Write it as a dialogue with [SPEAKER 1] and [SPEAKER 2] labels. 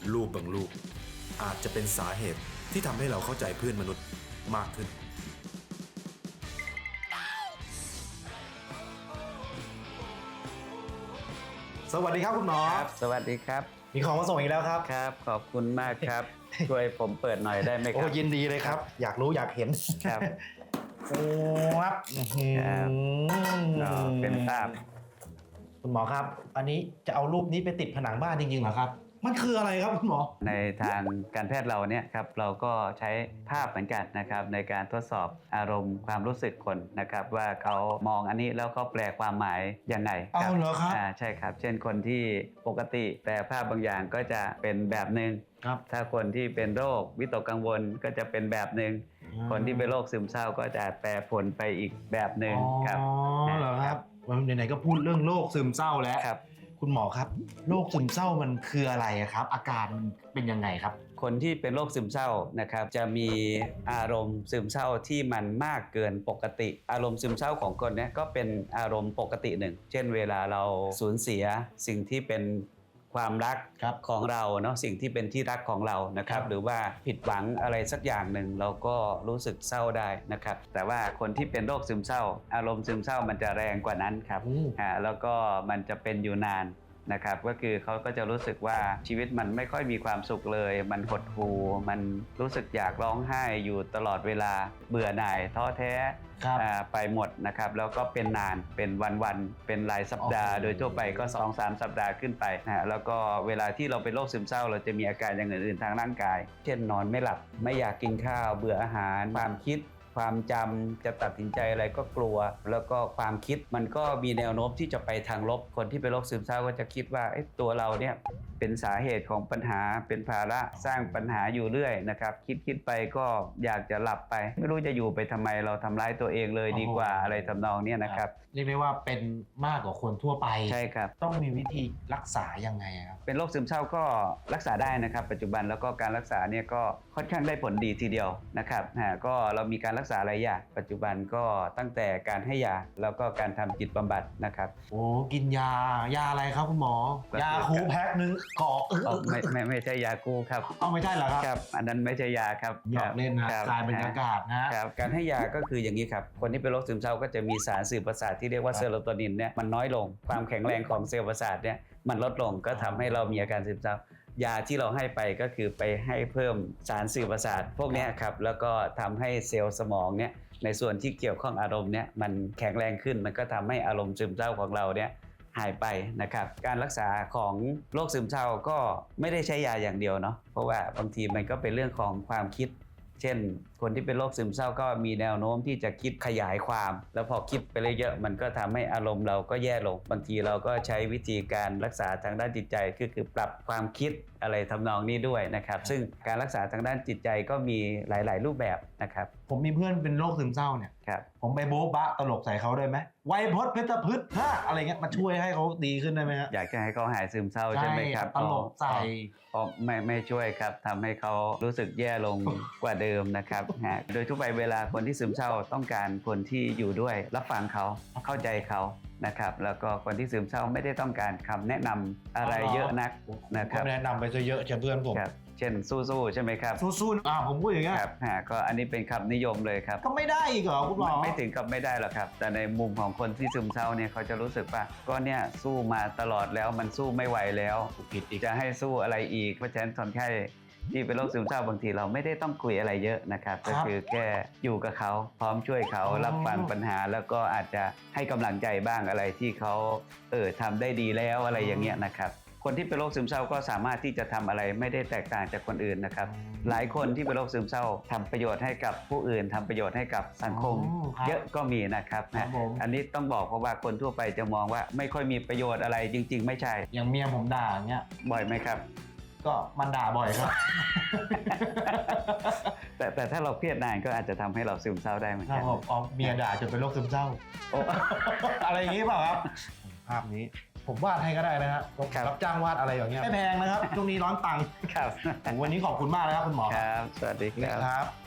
[SPEAKER 1] รูปบางรูปอาจจะเป็นสาเหตุที่ทำให้เราเข้าใจเพื่อนมนุษย์มากขึ้นสวัสดีครับคุณหมอ
[SPEAKER 2] ครับสวัสดีครับ
[SPEAKER 1] มีของมาส่งอีกแล้วครับ
[SPEAKER 2] ครับขอบคุณมากครับ ช่วยผมเปิดหน่อยได้ไหมค
[SPEAKER 1] โอ้
[SPEAKER 2] รับ
[SPEAKER 1] ยินดีเลยครับ อยากรู้อยากเห็น
[SPEAKER 2] ครับ
[SPEAKER 1] โอ้ครับ
[SPEAKER 2] ครับก็เป็นภาพ
[SPEAKER 1] คุณหมอครับ อันนี้จะเอารูปนี้ไปติดผนังบ้านจริงๆเหรอครับ มันคืออะไรครับคุณหมอ
[SPEAKER 2] ในทางการแพทย์เราเนี่ยครับเราก็ใช้ภาพเหมือนกันนะครับในการทดสอบอารมณ์ความรู้สึกคนนะครับว่าเขามองอันนี้แล้วเขาแปลความหมายยังไง
[SPEAKER 1] เอาเหรอครับ
[SPEAKER 2] ใช่ครับ เช่นคนที่ปกติแปลภาพบางอย่างก็จะเป็นแบบหนึ่ง
[SPEAKER 1] ครับ
[SPEAKER 2] ถ้าคนที่เป็นโรควิตกกังวลก็จะเป็นแบบหนึ่งคนที่เป็นโรคซึมเศร้าก็จะแปรผลไปอีกแบบหนึ่งครับ
[SPEAKER 1] อ๋อเหรอครับไหนๆก็พูดเรื่องโรคซึมเศร้าแล้ว
[SPEAKER 2] ครับ
[SPEAKER 1] คุณหมอครับโรคซึมเศร้ามันคืออะไรครับ อาการมันเป็นยังไงครับ
[SPEAKER 2] คนที่เป็นโรคซึมเศร้านะครับจะมีอารมณ์ซึมเศร้าที่มันมากเกินปกติ อารมณ์ซึมเศร้าของคนเนี้ก็เป็นอารมณ์ปกติหนึ่งเช่นเวลาเราสูญเสียสิ่งที่เป็นความรัก
[SPEAKER 1] ครับ
[SPEAKER 2] ของเราเนาะสิ่งที่เป็นที่รักของเรานะครับ
[SPEAKER 1] ครับ
[SPEAKER 2] หรือว่าผิดหวังอะไรสักอย่างหนึ่งเราก็รู้สึกเศร้าได้นะครับแต่ว่าคนที่เป็นโรคซึมเศร้า อารมณ์ซึมเศร้ามันจะแรงกว่านั้นครับ แล้วก็มันจะเป็นอยู่นานนะครับก็คือเขาก็จะรู้สึกว่าชีวิตมันไม่ค่อยมีความสุขเลย มันหดหู่มันรู้สึกอยากร้องไห้อยู่ตลอดเวลาเบื่อหน่ายท้อแท้
[SPEAKER 1] ครับ
[SPEAKER 2] ไปหมดนะครับแล้วก็เป็นนานเป็นวันๆเป็นรายสัปดาห์
[SPEAKER 1] โอ้โห
[SPEAKER 2] โดยทั่วไปก็ 2-3 สัปดาห์ขึ้นไปแล้วก็เวลาที่เราเป็นโรคซึมเศร้าเราจะมีอาการอย่างอื่นๆทางร่างกาย เช่นนอนไม่หลับไม่อยากกินข้าวเบื่ออาหารความคิด ความจำจะตัดสินใจอะไรก็กลัว แล้วก็ความคิดมันก็มีแนวโน้มที่จะไปทางลบคนที่เป็นโรคซึมเศร้าก็จะคิดว่าตัวเราเนี่ยเป็นสาเหตุของปัญหาเป็นภาระสร้างปัญหาอยู่เรื่อยนะครับคิดไปก็อยากจะหลับไปไม่รู้จะอยู่ไปทำไมเราทำร้ายตัวเองเลยดีกว่าอะไรทำนองเนี้ยนะครับ
[SPEAKER 1] เรียกได้ว่าเป็นมากกว่าคนทั่วไป
[SPEAKER 2] ใช่ครับ
[SPEAKER 1] ต้องมีวิธีรักษายังไงครับ
[SPEAKER 2] เป็นโรคซึมเศร้าก็รักษาได้นะครับปัจจุบันแล้วก็การรักษาเนี่ยก็ค่อนข้างได้ผลดีทีเดียวนะครับก็เรามีการรักษาหลายอย่างปัจจุบันก็ตั้งแต่การให้ยาแล้วก็การทำจิตบำบัดนะครับ
[SPEAKER 1] โอ้กินยาอะไรครับคุณหมอ
[SPEAKER 2] ก็คือย
[SPEAKER 1] าคูแพ็คนึงกรอก
[SPEAKER 2] ไม่ใช่ยากู้ครับ
[SPEAKER 1] เอาไม่ใช่เหรอครับ
[SPEAKER 2] ครับอันนั้นไม่ใช่ยาครับ
[SPEAKER 1] หยอกเล่นนะครับ กลายเป็นอากาศนะ
[SPEAKER 2] ครับการให้ยาก็คืออย่างนี้ครับคนที่เป็นโรคซึมเศร้าก็จะมีสารสื่อประสาทที่เรียกว่า
[SPEAKER 1] ครับ
[SPEAKER 2] เซโรโทนินเนี่ยมันน้อยลงความแข็งแรงของเซลล์ประสาทเนี่ยมันลดลงก็ทำให้เรามีอาการซึมเศร้ายาที่เราให้ไปก็คือไปให้เพิ่มสารสื่อประสาทพวกเนี้ยครับแล้วก็ทำให้เซลล์สมองเนี่ยในส่วนที่เกี่ยวข้องอารมณ์เนี่ยมันแข็งแรงขึ้นมันก็ทำให้อารมณ์ซึมเศร้าของเราเนี่ยหายไปนะครับการรักษาของโรคซึมเศร้าก็ไม่ได้ใช้ยาอย่างเดียวเนาะเพราะว่าบางทีมันก็เป็นเรื่องของความคิด เช่นคนที่เป็นโรคซึมเศร้าก็มีแนวโน้มที่จะคิดขยายความ แล้วพอคิดไปเยอะๆมันก็ทำให้อารมณ์เราก็แย่ลงบางทีเราก็ใช้วิธีการรักษาทางด้านจิตใจคือปรับความคิดอะไรทำนองนี้ด้วยนะครับซึ่งการรักษาทางด้านจิตใจก็มีหลายๆรูปแบบนะครับ
[SPEAKER 1] ผมมีเพื่อนเป็นโรคซึมเศร้าเนี่ย
[SPEAKER 2] ครับ
[SPEAKER 1] ผมไปโบ๊ะบะตลกใส่เขาได้ไหมไวยพจน์เพชรพฤกษ์ฮะอะไรเงี้ยมาช่วยให้เขาดีขึ้นได้ไหมฮะ
[SPEAKER 2] อยากจะให้เขาหายซึมเศร้าใช่ไหมครับ
[SPEAKER 1] ตลกใส่
[SPEAKER 2] ไม่ช่วยครับทำให้เขารู้สึกแย่ลงกว่าเดิมนะครับโดยทั่วไปเวลาคนที่ซึมเศร้าต้องการคนที่อยู่ด้วยรับฟังเขาเข้าใจเขานะครับแล้วก็คนที่ซึมเศร้าไม่ได้ต้องการคำแนะนำอะไรเยอะนักนะครับ
[SPEAKER 1] ก็แนะนำไปซะเยอะเช่นเพื่อนผม
[SPEAKER 2] ครับเช่นสู้ๆใช่ไหมครับ
[SPEAKER 1] สู้ๆผมพูดอย่างเงี้ย
[SPEAKER 2] ครับก็อันนี้เป็นคำนิยมเลยครับ
[SPEAKER 1] ก็ไม่ได้อีกเหรอคุณหมอ
[SPEAKER 2] ไม่ถึงกับไม่ได้หรอกครับ แต่ในมุมของคนที่ซึมเศร้าเนี่ยเขาจะรู้สึกว่าก็เนี่ยสู้มาตลอดแล้วมันสู้ไม่ไหวแล้วผิดอีกจะให้สู้อะไรอีกเพราะฉะนั้นคนไข้ที่เป็นโรคซึมเศร้าบางทีเราไม่ได้ต้องคุยอะไรเยอะนะครับก็คือแค่อยู่กับเขาพร้อมช่วยเขารับฟังปัญหาแล้วก็อาจจะให้กำลังใจบ้างอะไรที่เขาทำได้ดีแล้วอะไรอย่างเงี้ยนะครับคนที่เป็นโรคซึมเศร้าก็สามารถที่จะทำอะไรไม่ได้แตกต่างจากคนอื่นนะครับหลายคนที่เป็นโรคซึมเศร้าทำประโยชน์ให้กับผู้อื่นทำประโยชน์ให้กับสังคม เยอะก็มีนะครับ
[SPEAKER 1] ครับผม
[SPEAKER 2] อันนี้ต้องบอกเพราะว่าคนทั่วไปจะมองว่าไม่ค่อยมีประโยชน์อะไรจริง ๆ ไม่ใช่
[SPEAKER 1] อย่างเมียผมด่าอย่างเงี้ย
[SPEAKER 2] บ่อยไหมครับ
[SPEAKER 1] ก็มันด่าบ่อยครับ
[SPEAKER 2] แต่ถ้าเราเครียดนานก็อาจจะทำให้เราซึมเศร้าได้เหมือน
[SPEAKER 1] ครั
[SPEAKER 2] กับ น
[SPEAKER 1] ผมเอาเมียด่าจนเป็นโรคซึมเศร้า อะไรอย่างงี้เปล่าครับ ภาพนี้ผมวาดให้ก็ได้นะครับรับจ้างวาดอะไรอย่างเงี้ยไม่แพงนะครับช่วงนี้ร้อนตังค์
[SPEAKER 2] ครับ
[SPEAKER 1] วันนี้ขอบคุณมากนะครับคุณหมอ
[SPEAKER 2] ครับ สวัสดีครับ
[SPEAKER 1] ครับ